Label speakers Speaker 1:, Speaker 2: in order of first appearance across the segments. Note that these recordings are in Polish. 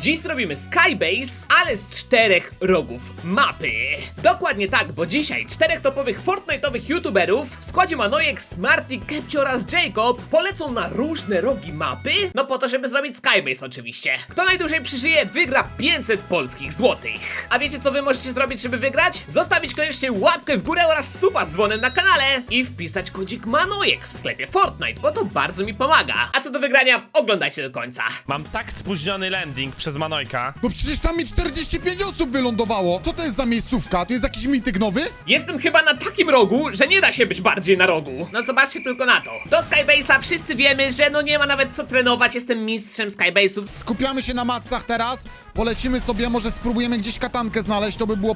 Speaker 1: Dziś zrobimy Skybase, ale z 4 rogów mapy. Dokładnie tak, bo dzisiaj 4 topowych Fortnite'owych youtuberów w składzie Manojek, Smarty, Kepcio oraz Jacob polecą na różne rogi mapy, no po to, żeby zrobić Skybase oczywiście. Kto najdłużej przeżyje, wygra 500 polskich złotych. A wiecie co wy możecie zrobić, żeby wygrać? Zostawić koniecznie łapkę w górę oraz suba z dzwonem na kanale i wpisać kodzik Manojek w sklepie Fortnite, bo to bardzo mi pomaga. A co do wygrania, oglądajcie do końca.
Speaker 2: Mam tak spóźniony landing przez Manojka.
Speaker 3: No przecież tam mi 45 osób wylądowało. Co to jest za miejscówka? To jest jakiś mityk nowy?
Speaker 1: Jestem chyba na takim rogu, że nie da się być bardziej na rogu. No zobaczcie tylko na to. Do Skybase'a wszyscy wiemy, że no nie ma nawet co trenować, jestem mistrzem Skybase'ów.
Speaker 3: Skupiamy się na matsach teraz. Polecimy sobie, może spróbujemy gdzieś katankę znaleźć, to by było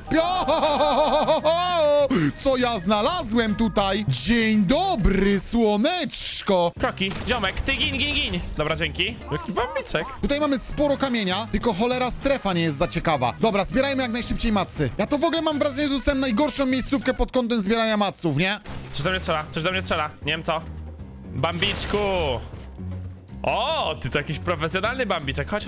Speaker 3: co ja znalazłem tutaj? Dzień dobry, słoneczko.
Speaker 2: Kroki, ziomek, ty gin. Dobra, dzięki. Jaki bambiczek.
Speaker 3: Tutaj mamy sporo kamienia, tylko cholera strefa nie jest za ciekawa. Dobra, zbierajmy jak najszybciej matsy. Ja to w ogóle mam wrażenie, że dostałem najgorszą miejscówkę pod kątem zbierania matsów, nie?
Speaker 2: Coś do mnie strzela, nie wiem co. Bambiczku. O, ty to jakiś profesjonalny bambiczek. Chodź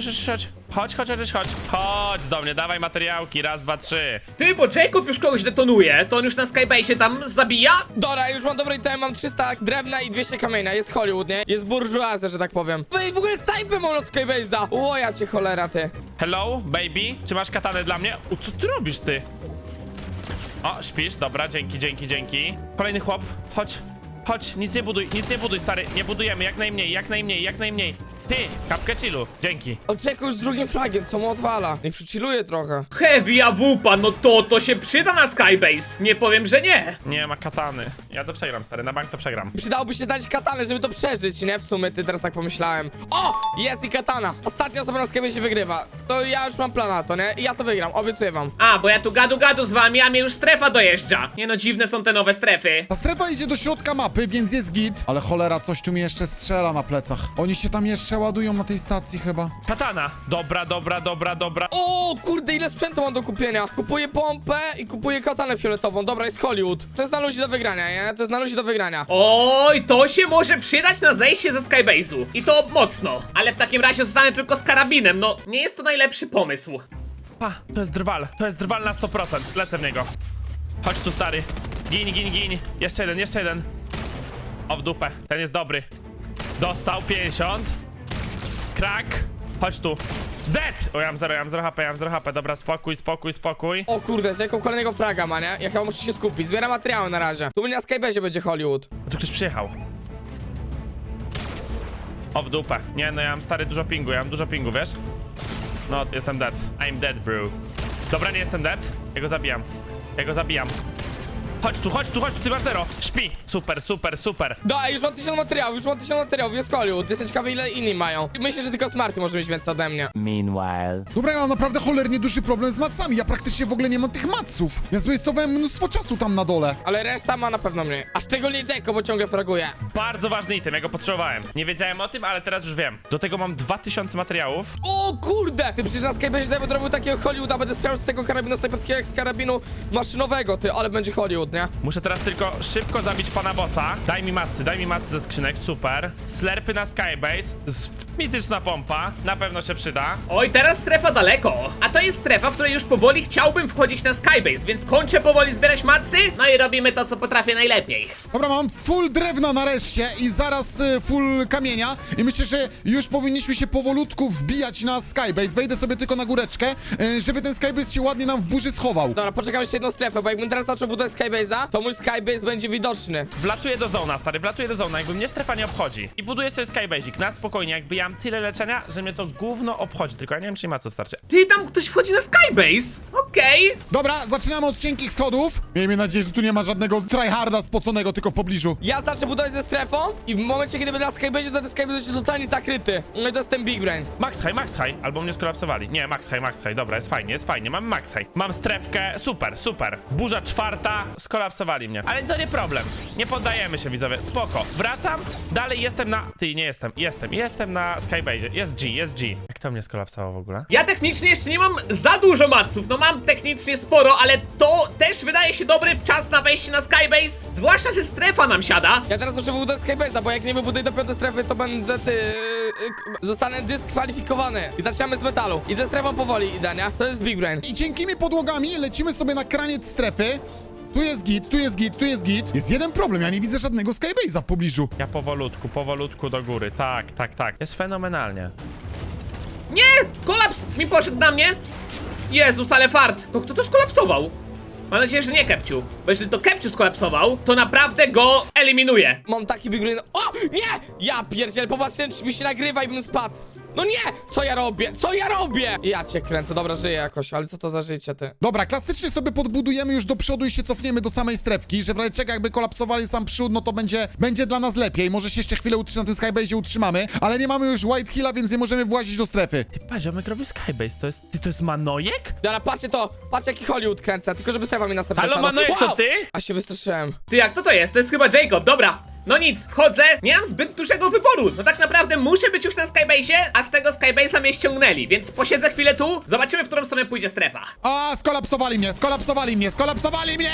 Speaker 2: do mnie, dawaj materiałki, raz, dwa, trzy.
Speaker 1: Ty, bo Jacob już kogoś detonuje, to on już na Skybase'ie tam zabija?
Speaker 4: Dobra, już mam dobry item, mam 300 drewna i 200 kamienia, jest Hollywood, nie? Jest burżuazja, że tak powiem. Wy w ogóle snajpy mam na Skybase'a! O, ja cię cholera, ty.
Speaker 2: Hello, baby, czy masz katanę dla mnie? Co ty robisz, ty? O, śpisz, dobra, dzięki. Kolejny chłop, chodź, nic nie buduj, stary, nie budujemy, jak najmniej. Ty, kapkę chillu, dzięki.
Speaker 4: Oczekuj z drugim flagiem, co mu odwala? Niech przychilluje trochę.
Speaker 1: Heavy AWP, no to się przyda na Skybase. Nie powiem, że nie.
Speaker 2: Nie ma katany. Ja to przegram, stary, na bank to przegram.
Speaker 4: Przydałoby się znaleźć katanę, żeby to przeżyć, nie? W sumie, ty teraz tak pomyślałem. O! Jest i katana! Ostatnia osoba na Skybase'ie wygrywa. To ja już mam plan na to, nie? I ja to wygram, obiecuję wam.
Speaker 1: A, bo ja tu gadu z wami, a mnie już strefa dojeżdża. Nie no, dziwne są te nowe strefy.
Speaker 3: Ta strefa idzie do środka mapy, więc jest git. Ale cholera, coś tu mi jeszcze strzela na plecach. Oni się tam jeszcze ładują na tej stacji chyba.
Speaker 2: Katana, dobra.
Speaker 4: O, kurde, ile sprzętu mam do kupienia. Kupuję pompę i kupuję katanę fioletową. Dobra, jest Hollywood. To jest na ludzi do wygrania, nie? To jest na ludzi do wygrania.
Speaker 1: Oj, to się może przydać na zejście ze Skybase'u. I to mocno. Ale w takim razie zostanę tylko z karabinem, no nie jest to najlepszy pomysł.
Speaker 2: Pa, to jest drwal na 100%, lecę w niego. Chodź tu, stary. Gin. Jeszcze jeden. O, w dupę, ten jest dobry. Dostał 50. Krak. Chodź tu. Dead! O, ja mam 0 HP, dobra, spokój.
Speaker 4: O kurde, Jacob kolejnego fraga ma, nie? Ja chyba muszę się skupić. Zbieram materiały na razie. Tu na Skybase'ie będzie Hollywood.
Speaker 2: Tu ktoś przyjechał. O, w dupę. Nie, no ja mam, stary, dużo pingu, wiesz? No, jestem dead. I'm dead, bro. Dobra, nie jestem dead. Ja go zabijam. Chodź tu, ty masz 0. Śpi. Super.
Speaker 4: Da, już mam 1000 materiałów, jest Hollywood. Jestem ciekawy, ile inni mają. Myślę, że tylko Smarty może mieć więcej ode mnie.
Speaker 5: Meanwhile.
Speaker 3: Dobra, ja mam naprawdę cholernie duży problem z matsami. Ja praktycznie w ogóle nie mam tych matsów. Ja zwastowałem mnóstwo czasu tam na dole.
Speaker 4: Ale reszta ma na pewno mniej. A szczególnie Jacob, bo ciągle fraguje.
Speaker 2: Bardzo ważny item, ja go potrzebowałem. Nie wiedziałem o tym, ale teraz już wiem. Do tego mam 2000 materiałów.
Speaker 4: O kurde! Ty przecież na Skybase'ie będę robił takiego Hollywooda, będę strzelał z tego karabinu snajperskiego jak z karabinu maszynowego, ty, ale będzie Hollywood, nie?
Speaker 2: Muszę teraz tylko szybko zabić pana bossa. Daj mi macy ze skrzynek, super. Slerpy na Skybase. Mityczna pompa, na pewno się przyda.
Speaker 1: Oj, teraz strefa daleko. A to jest strefa, w której już powoli chciałbym wchodzić na Skybase, więc kończę powoli zbierać macy, no i robimy to, co potrafię najlepiej.
Speaker 3: Dobra, mam full drewna nareszcie i zaraz full kamienia. I myślę, że już powinniśmy się powolutku wbijać na Skybase. Wejdę sobie tylko na góreczkę, żeby ten Skybase się ładnie nam w burzy schował.
Speaker 4: Dobra, poczekam jeszcze jedną strefę, bo jakbym teraz zaczął budować Skybase'a, to mój Skybase będzie widoczny.
Speaker 2: Wlatuję do zona, stary, jakby mnie strefa nie obchodzi. I buduję sobie Skybase'ik na spokojnie, jakby ja mam tyle leczenia, że mnie to gówno obchodzi. Tylko ja nie wiem, czy maców starczy.
Speaker 1: Ty, tam ktoś wchodzi na Skybase? Okej.
Speaker 3: Dobra, zaczynamy od cienkich schodów. Miejmy nadzieję, że tu nie ma żadnego tryharda spoconego tylko w pobliżu.
Speaker 4: Ja zacznę budować ze strefą i w momencie, kiedy będę na Skybase'ie, to ten Skybase będzie totalnie zakryty. No i to jest ten Big Brain.
Speaker 2: Max high, albo mnie skolapsowali. Nie, max high, dobra, jest fajnie, mamy max high. Mam strefkę, super. Burza 4, skolapsowali mnie. Ale to nie problem, nie poddajemy się, widzowie, spoko. Wracam, dalej jestem na... Ty, nie jestem na Skybase'ie, jest G. Jak to mnie skolapsowało w ogóle?
Speaker 1: Ja technicznie jeszcze nie mam za dużo maców, no mam technicznie sporo, ale to też wydaje się dobry czas na wejście na Skybase, zwłaszcza, że strefa nam siada.
Speaker 4: Ja teraz muszę wybudować Skybase'a, bo jak nie wybuduję do 5 strefy, to będę zostanę dyskwalifikowany. I zaczynamy z metalu. I ze strefą powoli idę, nie? To jest Big Brain.
Speaker 3: I cienkimi podłogami lecimy sobie na kraniec strefy. Tu jest git, tu jest git, tu jest git. Jest jeden problem, ja nie widzę żadnego Skybase'a w pobliżu.
Speaker 2: Ja powolutku do góry. Tak. Jest fenomenalnie.
Speaker 1: Nie! Kolaps mi poszedł na mnie! Jezus, ale fart! To kto to skolapsował? Mam nadzieję, że nie Kepciu. Bo jeżeli to Kepciu skolapsował, to naprawdę go eliminuję.
Speaker 4: Mam taki Big Brain. O! Nie! Ja pierdziel, popatrzcie, czy mi się nagrywa i bym spadł. No nie! Co ja robię? Co ja robię? Ja cię kręcę, dobra, żyję jakoś, ale co to za życie, ty?
Speaker 3: Dobra, klasycznie sobie podbudujemy już do przodu i się cofniemy do samej strefki, że w razie czego jakby kolapsowali sam przód, no to będzie dla nas lepiej. Może się jeszcze chwilę na tym Skybase'ie utrzymamy, ale nie mamy już White Hilla, więc nie możemy włazić do strefy.
Speaker 2: Ty patrz, ziomek robi Skybase. To jest Manojek?
Speaker 4: Dobra, patrzcie to, patrzcie jaki Hollywood kręcę, tylko żeby strefa mi następna
Speaker 2: Halo,
Speaker 4: siadła.
Speaker 2: Manojek, to ty?
Speaker 4: A się wystraszyłem.
Speaker 1: Ty, jak to jest? To jest chyba Jacob, dobra. No nic, wchodzę, nie mam zbyt dużego wyboru. No tak naprawdę muszę być już na Skybase'ie, a z tego Skybase'a mnie ściągnęli, więc posiedzę chwilę tu, zobaczymy, w którą stronę pójdzie strefa.
Speaker 3: A, skolapsowali mnie!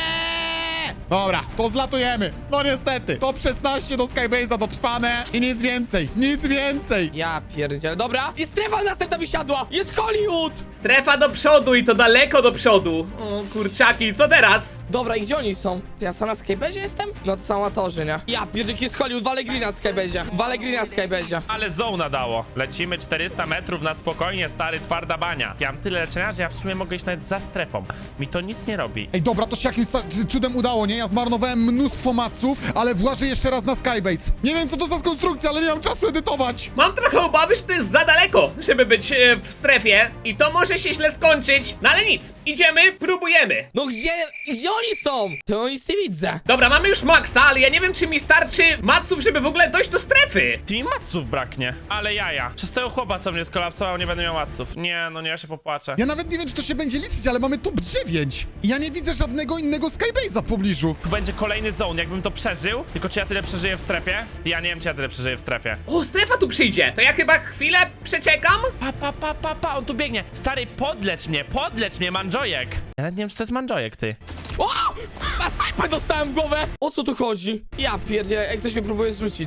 Speaker 3: Dobra, to zlatujemy. No niestety, top 16 do Skybase'a dotrwane i nic więcej.
Speaker 4: Ja pierdziel, dobra. I strefa następna mi siadła, jest Hollywood!
Speaker 1: Strefa do przodu i to daleko do przodu. O kurczaki, co teraz?
Speaker 4: Dobra, i gdzie oni są? To ja sam na Skybase'ie jestem? No to są amatorzy, nie? Ja pierdziel, jest Hollywood, walę green na Skybase'ie.
Speaker 2: Ale zona dało. Lecimy 400 metrów na spokojnie, stary, twarda bania. Ja mam tyle leczenia, że ja w sumie mogę iść nawet za strefą. Mi to nic nie robi.
Speaker 3: Ej, dobra, to się jakimś cudem udało, nie? Ja zmarnowałem mnóstwo maców, ale włażę jeszcze raz na Skybase. Nie wiem, co to za konstrukcja, ale nie mam czasu edytować.
Speaker 1: Mam trochę obawy, że to jest za daleko, żeby być w strefie i to może się źle skończyć. No ale nic, idziemy, próbujemy.
Speaker 4: No gdzie oni są? To nic nie widzę.
Speaker 1: Dobra, mamy już maksa, ale ja nie wiem, czy mi starczy maców, żeby w ogóle dojść do strefy.
Speaker 2: Ty mi maców braknie. Ale jaja. Przez tego chłopa, co mnie skolapsował, nie będę miał maców. Nie, no nie, ja się popłaczę.
Speaker 3: Ja nawet nie wiem, czy to się będzie liczyć, ale mamy top 9. I ja nie widzę żadnego innego Skybase'a w pobliżu.
Speaker 2: Tu będzie kolejny zone, jakbym to przeżył. Tylko czy ja tyle przeżyję w strefie? Ja nie wiem, czy ja tyle przeżyję w strefie.
Speaker 1: O, strefa tu przyjdzie, to ja chyba chwilę przeczekam.
Speaker 2: Pa, on tu biegnie. Stary, podlecz mnie, Manjojek. Ja nawet nie wiem, czy to jest Manjojek, ty.
Speaker 4: O! Na snajpę dostałem w głowę! O co tu chodzi? Ja pierdzielę, jak ktoś mnie próbuje zrzucić.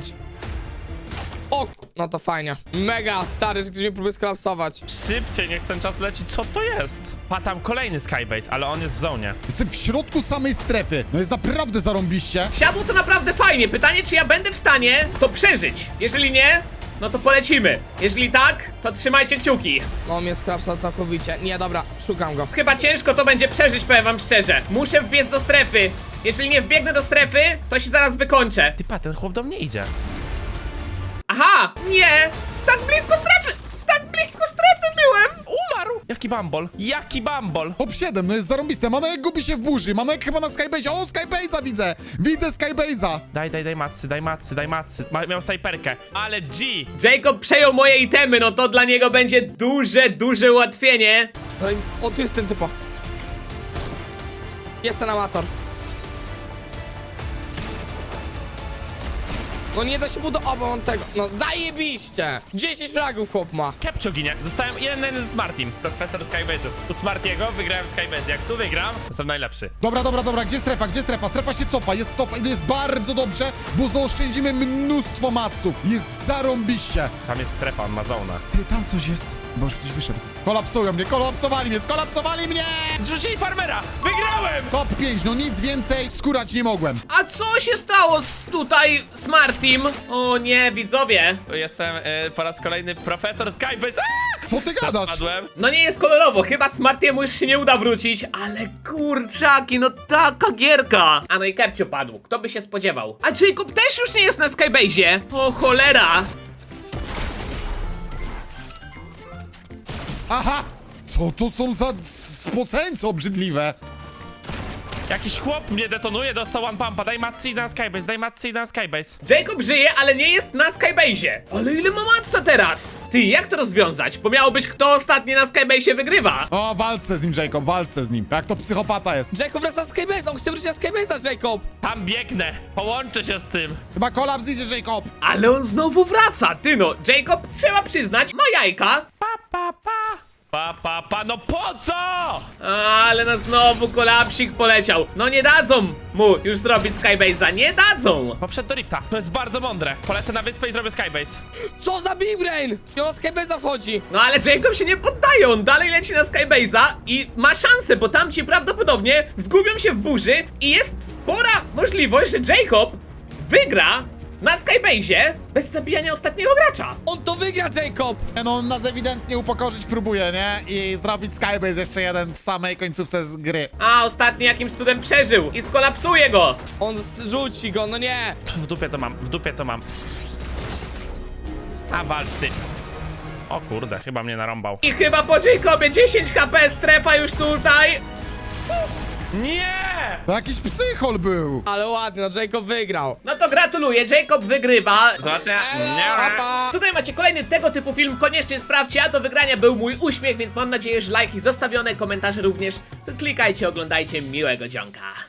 Speaker 4: O, no to fajnie. Mega stary, że ktoś mnie próbuje skolapsować.
Speaker 2: Szybciej, niech ten czas leci, co to jest? Pa, tam kolejny Skybase, ale on jest w zonie.
Speaker 3: Jestem w środku samej strefy. No jest naprawdę zarąbiście.
Speaker 1: Siadło to naprawdę fajnie, pytanie, czy ja będę w stanie to przeżyć. Jeżeli nie, no to polecimy. Jeżeli tak, to trzymajcie kciuki.
Speaker 4: No mnie skolapsował całkowicie. Nie, dobra, szukam go.
Speaker 1: Chyba ciężko to będzie przeżyć, powiem wam szczerze. Muszę wbiec do strefy. Jeżeli nie wbiegnę do strefy, to się zaraz wykończę.
Speaker 2: Ty pa, ten chłop do mnie idzie.
Speaker 1: Aha, nie! Tak blisko strefy! Tak blisko strefy byłem!
Speaker 2: Umarł! Jaki bambol!
Speaker 3: Top 7, no jest zarąbiste. Manojek gubi się w burzy. Manojek chyba na Skybase'ie. O, Skybase'a widzę. Widzę Skybase'a.
Speaker 2: Daj macy. Miał snajperkę. Ale G!
Speaker 1: Jacob przejął moje itemy, no to dla niego będzie duże ułatwienie.
Speaker 4: No i- O, tu jest ten typo. Jest ten amator. No nie da się budować on tego. No zajebiście! 10 fragów chłop ma.
Speaker 2: Kepcio ginie. Zostałem 1-1 z Smartim. Profesor Skybase'ów. U Smartiego wygrałem Skybase. Jak tu wygram, jestem najlepszy.
Speaker 3: Dobra. Gdzie strefa? Strefa się cofa. Jest bardzo dobrze, bo zaoszczędzimy mnóstwo maców. Jest zarąbiście.
Speaker 2: Tam jest strefa, on ma zonę.
Speaker 3: Ty, tam coś jest. Boże, ktoś wyszedł. Kolapsowali mnie!
Speaker 2: Zrzucili farmera! Wygrałem!
Speaker 3: Top 5, no nic więcej skórać nie mogłem.
Speaker 1: A co się stało tutaj z Martim? O nie, widzowie.
Speaker 2: Jestem po raz kolejny profesor Skybase.
Speaker 3: Co ty gadasz?
Speaker 2: Spadłem.
Speaker 1: No nie jest kolorowo, chyba Smartiemu już się nie uda wrócić, ale kurczaki, no taka gierka. A no i Kepcio padł, kto by się spodziewał. A Jacob też już nie jest na Skybase'ie. O cholera.
Speaker 3: Aha! Co to są za spoceńce obrzydliwe?
Speaker 2: Jakiś chłop mnie detonuje, dostał one pumpa. Daj matcy i na Skybase.
Speaker 1: Jacob żyje, ale nie jest na Skybase'ie. Ale ile ma matca teraz? Ty, jak to rozwiązać? Bo miało być, kto ostatni na Skybase'ie wygrywa.
Speaker 3: O, walczę z nim, Jacob, walczę z nim. Jak to psychopata jest.
Speaker 4: Jacob wraca z Skybase, on chce wrócić na Skybase'a, Jacob!
Speaker 2: Tam biegnę, połączę się z tym.
Speaker 3: Chyba kolaps idzie, Jacob.
Speaker 1: Ale on znowu wraca, ty no. Jacob, trzeba przyznać, ma jajka.
Speaker 2: Pa. mapa, no po co?
Speaker 1: Ale na znowu kolapsik poleciał. No nie dadzą mu już zrobić Skybase'a, nie dadzą.
Speaker 2: Poszedł do rifta, to jest bardzo mądre. Polecę na wyspę i zrobię skybase.
Speaker 4: Co za Big Brain? I ona z Skybase'a wchodzi.
Speaker 1: No ale Jacob się nie poddaje, on dalej leci na Skybase'a i ma szansę, bo tamci prawdopodobnie zgubią się w burzy i jest spora możliwość, że Jacob wygra na Skybase'ie bez zabijania ostatniego gracza.
Speaker 4: On to wygra, Jacob.
Speaker 3: No on nas ewidentnie upokorzyć próbuje, nie? I zrobić Skybase jeszcze jeden w samej końcówce z gry.
Speaker 1: A ostatni jakimś cudem przeżył i skolapsuje go.
Speaker 4: On rzuci go, no nie.
Speaker 2: W dupie to mam, w dupie to mam. A walcz ty. O kurde, chyba mnie narąbał.
Speaker 1: I chyba po Jacobie 10 HP, strefa już tutaj.
Speaker 2: Nie!
Speaker 3: To jakiś psychol był.
Speaker 4: Ale ładnie, no Jacob wygrał.
Speaker 1: No to gratuluję, Jacob wygrywa.
Speaker 2: Zobaczcie.
Speaker 3: Papa.
Speaker 1: Tutaj macie kolejny tego typu film, koniecznie sprawdźcie, a do wygrania był mój uśmiech, więc mam nadzieję, że lajki zostawione, komentarze również. Klikajcie, oglądajcie, miłego dzionka.